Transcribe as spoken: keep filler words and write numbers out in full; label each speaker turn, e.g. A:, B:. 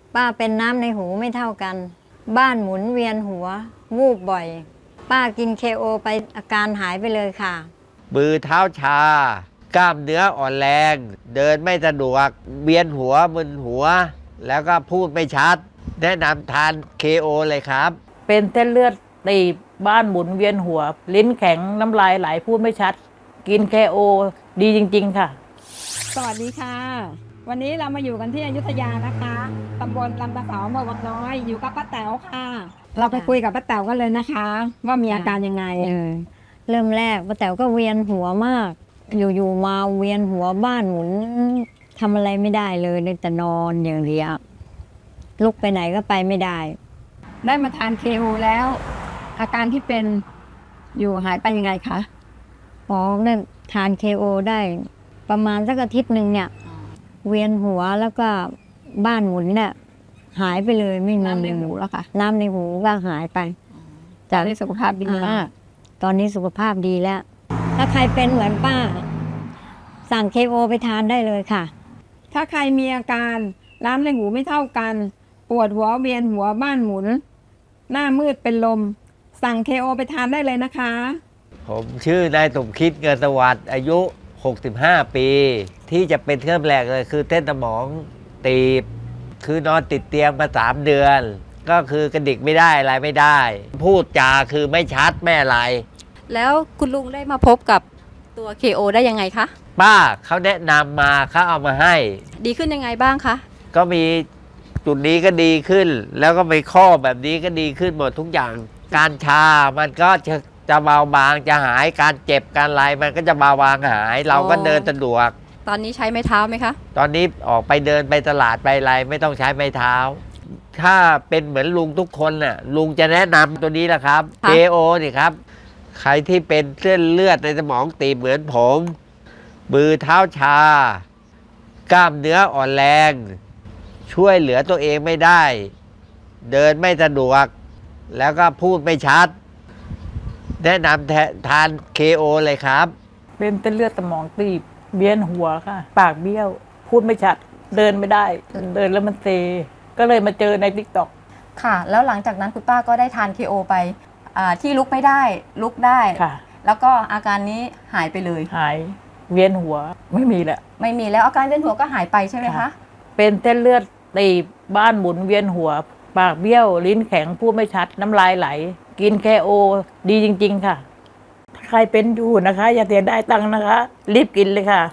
A: ป้าเป็นน้ำในหูไม่เท่ากันบ้านหมุนเวียนหัววูบบ่อยป้ากินเคโอไปอาการหายไปเลยค่ะ
B: มือเท้าชากล้ามเนื้ออ่อนแรงเดินไม่สะดวกเวียนหัวมึนหัวแล้วก็พูดไม่ชัดแนะนำทาน เค โอ เลยครับ
C: เป็นเส้นเลือดตีบบ้านหมุนเวียนหัวลิ้นแข็งน้ำลายไหลพูดไม่ชัดกิน เค โอ ดีจริงๆค่ะ
D: สวัสดีค่ะวันนี้เรามาอยู่กันที่อยุธยานะคะตำบลลำตะเสาอำเภอวังน้อยอยู่กับป้าแต๋วค่ะ เราไปคุยกับป้าแต๋วกันเลยนะคะ ว่ามีอาการยังไง
A: เออเริ่มแรกป้าแต๋วก็เวียนหัวมากอยู่ๆมาเวียนหัวบ้านหมุนทำอะไรไม่ได้เลยเลยแต่นอนอย่างเดียวลุกไปไหนก็ไปไม่ได้
D: ได้มาทานเคโอแล้ว อาการที่เป็นอยู่หายไปยังไงคะ
A: อ๋อได้ทานเคโอได้ประมาณสักอาทิตย์หนึ่งเนี่ยเวียนหัวแล้วก็บ้านหมุนเนี่ยหายไปเลยไม่มี
D: น้ำในหูแล้วค่ะ
A: น้ำในหูก็หายไป
D: จากที่สุขภาพดีมาก
A: ตอนนี้สุขภาพดีแล้วถ้าใครเป็นเหมือนป้าสั่งเคโอไปทานได้เลยค่ะ
D: ถ้าใครมีอาการน้ำในหูไม่เท่ากันปวดหัวเวียนหัวบ้านหมุนหน้ามืดเป็นลมสั่ง เค โอ ไปทานได้เลยนะคะ
B: ผมชื่อนายสมคิดเงินสวัสดิ์อายุหกสิบห้าปีที่จะเป็นเครื่องแรกเลยคือเส้นสมองตีบคือนอนติดเตียงมาสามเดือนก็คือกระดิกไม่ได้อะไรไม่ได้พูดจาคือไม่ชัดไม่อะไร
E: แล้วคุณลุงได้มาพบกับตัว เค โอ ได้ยังไงคะ
B: ป้าเขาแนะนำมาเขาเอามาให้
E: ดีขึ้นยังไงบ้างคะ
B: ก็มีจุดนี้ก็ดีขึ้นแล้วก็ไปข้อแบบนี้ก็ดีขึ้นหมดทุกอย่างการชามันก็จะจะเบาบางจะหายการเจ็บการอะไรมันก็จะเบาบางหายเราก็เดินสะดวก
E: ตอนนี้ใช้ไม้เท้าไหมคะ
B: ตอนนี้ออกไปเดินไปตลาดไปอะไรไม่ต้องใช้ไม้เท้าถ้าเป็นเหมือนลุงทุกคนน่ะลุงจะแนะนำตัวนี้แหละครับ เค โอ นี่ครับใครที่เป็นเส้นเลือดในสมองตีบเหมือนผมมือเท้าชากล้ามเนื้ออ่อนแรงช่วยเหลือตัวเองไม่ได้เดินไม่สะดวกแล้วก็พูดไม่ชัดแนะนำทาน เค โอ เลยครับ
C: เป็นเส้นเลือดสมองตีบเวียนหัวค่ะปากเบี้ยวพูดไม่ชัดเดินไม่ได้เดินแล้วมันเซก็เลยมาเจอใน ติ๊กต็อก
E: ค่ะแล้วหลังจากนั้นคุณป้าก็ได้ทาน เค โอ ไปที่ลุกไม่ได้ลุกได้
C: ค่ะ
E: แล้วก็อาการนี้หายไปเลย
C: หายเวียนหัวไม่มีแล้ว
E: ไม่มีแล้วอาการเวียนหัวก็หายไปใช่ไหมคะ
C: เป็นเส้นเลือดตีบบ้านหมุนเวียนหัวปากเบี้ยวลิ้นแข็งพูดไม่ชัดน้ำลายไหลกิน เค โอ ดีจริงๆค่ะถ้าใครเป็นอยู่นะคะอย่าเสียดายตังค์นะคะรีบกินเลยค่ะ